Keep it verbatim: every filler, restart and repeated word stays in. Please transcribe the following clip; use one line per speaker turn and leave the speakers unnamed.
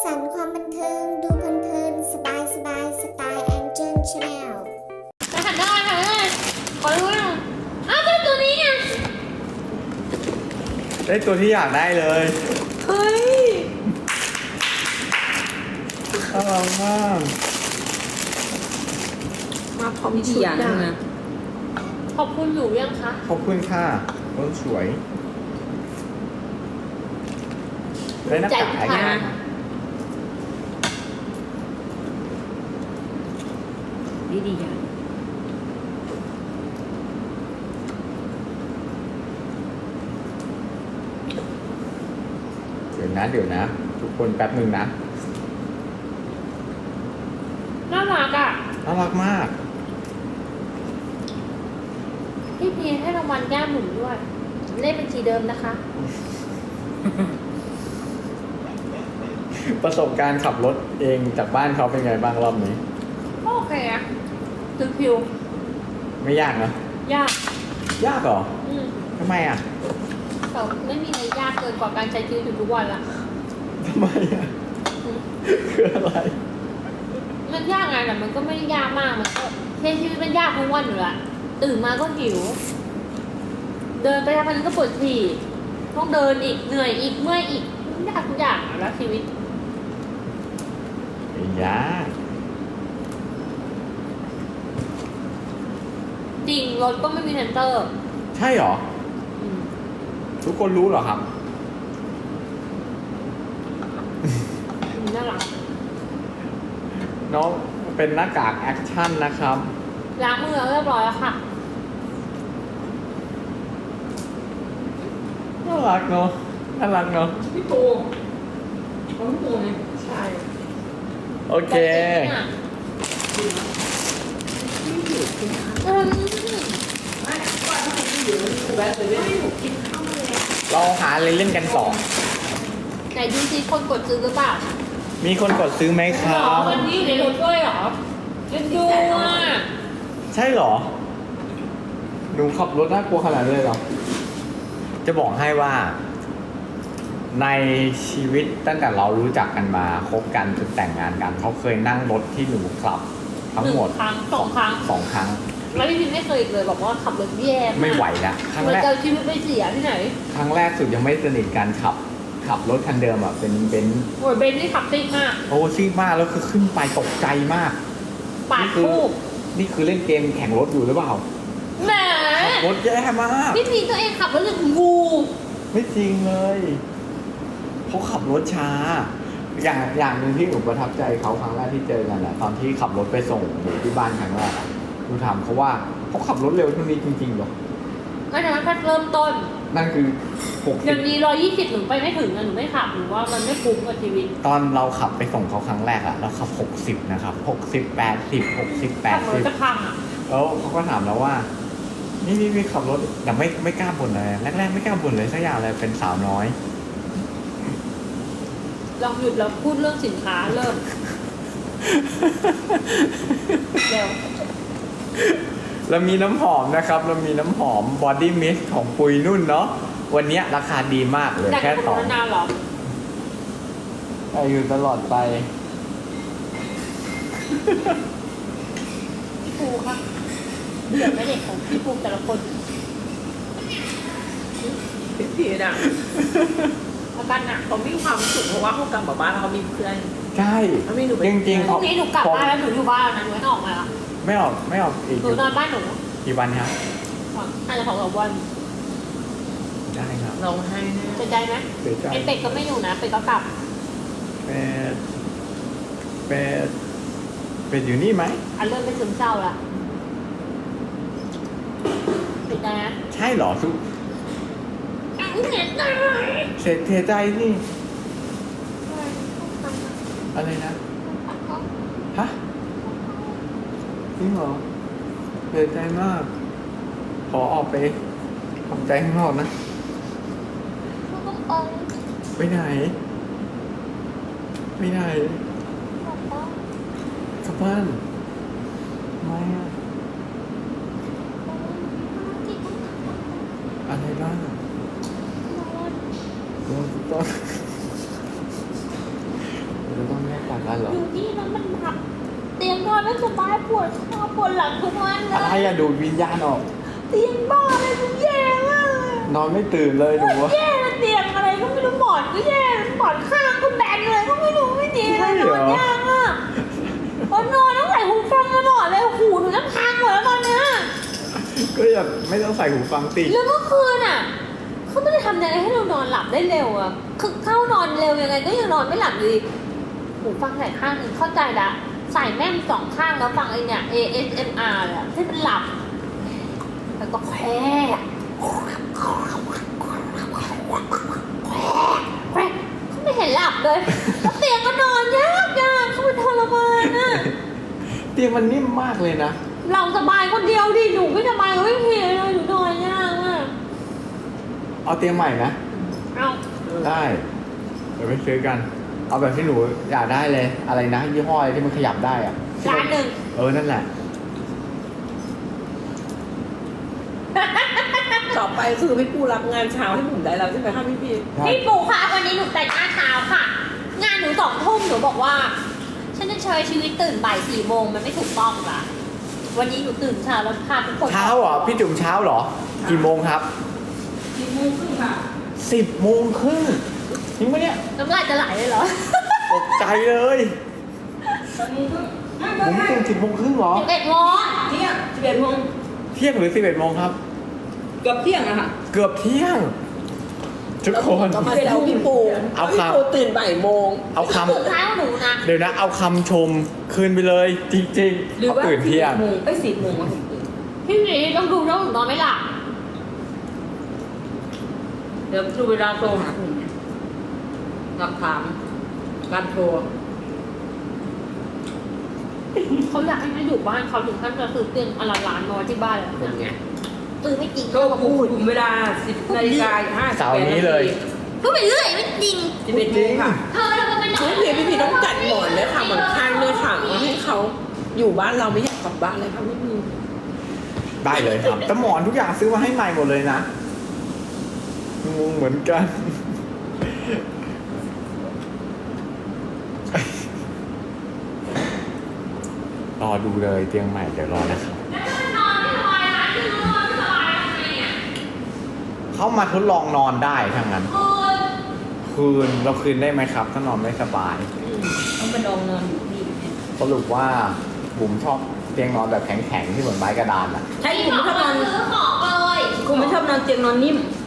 สรรค์ความบันเทิงดูเพลินๆสบายสบายสไตล์แองเจิลชาแนล
จะหันได้ค่ะเลยขอรู้หน่อยอ้าวเป็นตัวนี้ไง
ได้ตัวที่อยากได้เลย
เฮ้ย
น่ารักมาก
มาพร้อม
มี
ชุ
กี่
ด
อย่าง
อะ
นะ
ขอบคุณหนูยังคะ
ขอบคุณค่ะรถสวยได้หน้ากากอะไร
ใจ
นะ
ค่ะ
ดีดีอย่าง
เดี๋ยวนะเดี๋ยวนะ ทุกคนแป๊บหนึ่งนะ
น่ารักอ่ะ
น่ารักมาก
พี่พีให้รางวัลย่าหมุนด้วยเลขบัญชีเดิมนะคะ
ประสบการณ์ขับรถเองจากบ้านเขาเป็นไงบ้างรอบนี้
โอเคอะตึงผิว
ไม่ยากนะ
ยาก
ยากเหรอ
อืม
ทำไมอ่ะ
แต่ไม่มีอะไรยากเกินกว่าการใช้ชีวิตอยู่ทุกวันละ
ทำไมอ่ะ
อืม
คืออะไร
มันยากไงแต่มันก็ไม่ได้ยากมากมันก็ใช้ชีวิตมันยากทุกวันอยู่ละตื่นมาก็หิว เดินไปทำอะไรก็ปวดฉี่ต้องเดินอีกเหนื่อยอีกเมื่อยอีกยากทุกอย่างอะแล้วชีวิต
ไม่ยาก
จริงรถก็ไม่มีเซนเตอร์
ใช่เหรอ
อืม
ทุกคนรู้เหรอครับ
น่ารัก
น้องเป็นหน้ากากแอคชั่นนะครับ
ล้างมือเรียบร้อยแล้วค่ะ
น่ารักเนาะ น่ารักเนาะ
พี่ปูเขาพี่ปูไงใช่
โอเค
อืม
ไม่ว่าถ้าผมไม่อยู่แวะเลยไม่ถูกกินข้าวมาแล้ว
เราหาอะไรเล่นกันต่อ
ไหนดูซิคนกดซื้อหรือเปล่า
มีคนกดซื้อไหมค
หร
รั
อบ วันนี้อยู่ในรถด้วยเหรอเล่นดูอ่ะ
ใช่เหรอ หนูขับรถน่ากลัวขนาดนั้นเลยเหรอ จะบอกให้ว่า ในชีวิตตั้งแต่เรารู้จักกันมาคบกันจนแต่งงานกัน เขาเคยนั่งรถที่หนูขับ ทั้งหมด
นึ่ครั้งสองครั้ง
สองครั้ง
แล้วพี่พิมไม่เคยอีกเลยบอกว่าขับรถแย่าก
ไม่ไหวละครั้ง
เหมือน
แรก
จะเอาชีวิตไปเสียที่ไหน
ครั้งแรกสุดยังไม่สนิทกันขับ ขับรถคันเดิมอ่ะเป็นเป็น
โอ้ยเบนนี่ขับซิ่งมาก
โอ้ซิ่งมากแล้วคือขึ้นไปตกใจมาก
ปาดคู่
นี่คือเล่นเกมแข่งรถอยู่หรือเปล่า
แหม
ขับรถแย่มาก
พี่พีตัวเองขับรถอย่างงู
ไม่จริงเลยเขาขับรถช้า อย่างอย่างหนึ่งที่หนูประทับใจเขาครั้งแรกที่เจอกันอะตอนที่ขับรถไปส่งหนูที่บ้านครั้งแรกอะหนูถามเขาว่าเขาขับรถเร็วเท่านี้จริงๆเหรอ
ไม่ใช่แค่เริ่มต้น
นั่นคือหก
อ
สิบ
ย่างนี้ร้อยยี่สิบหนูไปไม่ถึงอะหนูไม่ขับหนูว่ามันไม่คุ้มกับชีวิต
ตอนเราขับไปส่งเขาครั้งแรกอะเราขับหกสิบนะครับหกสิบแปดสิบหกสิบแป
ขั
ด
บร
สิ
ถ
บ
จะพังอะ
แล้วเขาก็ถามเราว่า นี่นี่นี่ขับรถแต่ไม่ไม่กล้าบ่นเลยแรกๆไม่กล้าบ่นเลยสักอย่างเลยเป็นสาวน้อย
ลองหยุดแล้วพูดเรื่องสินค้าเริ่มเร็ว
เรามีน้ำหอมนะครับ เรามีน้ำหอม Body Mist ของปุยนุ่นเนาะ วันเนี้ยราคาดีมากเลย
แต่
แค่
ง
สอง
นานๆหรอ
ไปอยู่ตลอดไป
พี่ปูคะเบื่อไหมเด็กของพี่ปูแต่ละคน
พี่พีน่ะ
อาการหนัก
เขามีความสุขเพราะว่าเขากลับมาบ้านแล้วเขามีเพื่อน
ใช่
แล้วมีหนูไป
จริงๆ
พรุ่
เอา
งนี้หนูกลับบ้านแล้วหนูอยู่บ้านนะหนูไม่ต้องออกมาแล้ว
ไม่ออกไม่ออกอีก
หนูนอนบ้านหนู
กี่วันครับ
อาจจะสองสามวัน
ได้ครับ
ร้องไห้แน่
เสียใจไหม
เสียใจ
ไอเป็ดก็ไม่อยู่นะเป็ดก็กลับ
เป็ดเป็ดเป็ดอยู่นี่ไหม
อันเริ่มเป็นซึมเศร้าละเสียใจนะ
ใช่เหรอทุก
เสียใจ
เสียเสียใจนี่อะไรนะ ฮะจริงเหรอเสียใจมาก ขอออกไปทำใจข้างนอกนะ ไปไหน ไปไหนกลับบ้านทำไมอะอะไรบ้างโดนต้นนั่นเหรอ
อยู่ที่นั้นมันแบบเตียงนอนไม่สบายปวดคอปวดหลังทุกวันเล
อะไร
ย
อะดูดวิญญาณออก
เตียงบ้าอะไรก็แย่มากเลย
นอนไม่ตื่นเลยดูวะ
แย่เตียงอะไรก็ไม่รู้หมอนก็แย่หมอนข้างก็แบนเลยก็ไม่รู้ไม่ดีเลยนอนยากอ่ะพอนอนต้องใส่หูฟังตลอดเลยหูหนูจะพังหมดแล้วตอนเนี้ย
ก็อย่าไม่ต้องใส่หูฟังติ
แล้วเมื่อคืนอ่ะเขาไม่ได้ทำยังไงให้เรานอนหลับได้เร็วอ่ะคือเข้านอนเร็วยังไงก็ยังนอนไม่หลับอยู่ดีหูฟังใส่ข้างหนึ่งเข้าใจละใส่แม่งสองข้างแล้วฟังไอเนี่ย เอ เอส เอ็ม อาร์ เนี่ยให้มันหลับแล้วก็แควแควเขาไม่เห็นหลับเลยแล้วเตียงก็นอนยากยากเขาเป็นทรมานอ่ะ
เตียงมันนิ่มมากเลยนะ
เราสบายคนเดียวดิหนูไม่สบายก็ไม่เพลเลยหนูนอนยากมาก
เอาเตียงใหม่นะ
เอา
ได้ เดี๋ยวไปซื้อกัน เอาแบบที่หนูอยากได้เลย อะไรนะยี่ห้ออะไรที่มันขยับได้อะ
ร้านหนึ่ง
เออ นั่นแหละ
ต่อไปคือพี่ปูรับงานเช้าให้ผมได้แล้วใช่ไหมคะพี่พี
พี่ปู่คะวันนี้หนูแต่งหน้าเช้าค่ะ งานหนูสองทุ่มหนูบอกว่า ฉันจะใช้ชีวิตตื่นบ่ายสี่โมงมันไม่ถูกต้องละวันนี้หนูตื่นเช้าแล้วพาทุกคน
เช้าเหรอ พี่จุ๋มเช้าเหรอ กี่โมงครับ
สี่โมงครึ่งค่ะ
สิบโมงครึ่งจริงปะเนี่ย
น้ำลายจะไหลเลยเหรอ
ตกใจเลย
สิบโมงครึ่งไม่
ผมตื่นสิบโมงครึ่งเหรอ
สิบเอ็ดโมง
เที่ยงสิบเอ็ดโมง
เที่ยงหรือสิบเอ็ดโมงครับ
เกือบเที่ยงอะค่ะ
เกือบเที่ยง ทุกคน
ก็มาแล้วพี่ปู
เอาครับ
พี่ปูตื่นบ่ายโมง
เอาค
สุดท้ายของหนูนะ
ำเดี๋ยวนะ เอาคำชมคืนไปเลย จริงๆ
หรือ
เขา
ว่า
ตื่นเที่ยง
โมงไอ้สิบโมงอะผมตื่น
พี่หมีต้องดูแล้วหนูนอนไม่หลับ
เดี๋ยวดูเวลาโทรหาผมเนี่ยหลักฐานการโทร
เขาอยากให้มาอยู่บ้านเขาถึงขั้นจะซื้อเตียงอนละล้านนอนที่บ้านเลยคนเนี้ยซื้อไม่จริง
ก็
ก็
พู
พู
ด
ด
คุมเวลาสิบนาฬิกาห้าสิบ
เสาร์
แปด
นี้
นา
เลย
ที
พูดไปเรื่อยไม่จริง
สิบเอ็ดโมงค่ะ
เธอแล้วก็เป็น
พี่พีพี่พีต้องจัดหมอนเลยค่ะหมอนข้างด้วยค่ะมาให้เขาอยู่บ้านเราไม่อยากกลับบ้านเลยค่ะพี่พี
ได้เลยครับแต่หมอนทุกอย่างซื้อมาให้ใหม่หมดเลยนะงงเหมือนกัน รอดูเลยเตียงใหม่เดี๋ยวรอนะครับ
นอนไม่สบายนะคือนอนไม่สบายทำไงอ่ะ
เข้ามาทดลองนอนได้ทั้งนั้น
คืน
คืนเราคืนได้ไหมครับ ถ้านอนไม่สบาย
ต้องไปลองนอนอยู่ที่เนี่ย
สรุปว่าบุ๋มชอบเตียงนอนแบบแข็งๆที่เหมือนไม้กระดานอ่ะ
ใช่คุณไม่ชอบนอน
ซื้อของเลย
คุณไม่ชอบนอนเตียงนอนนิ่ม
ใ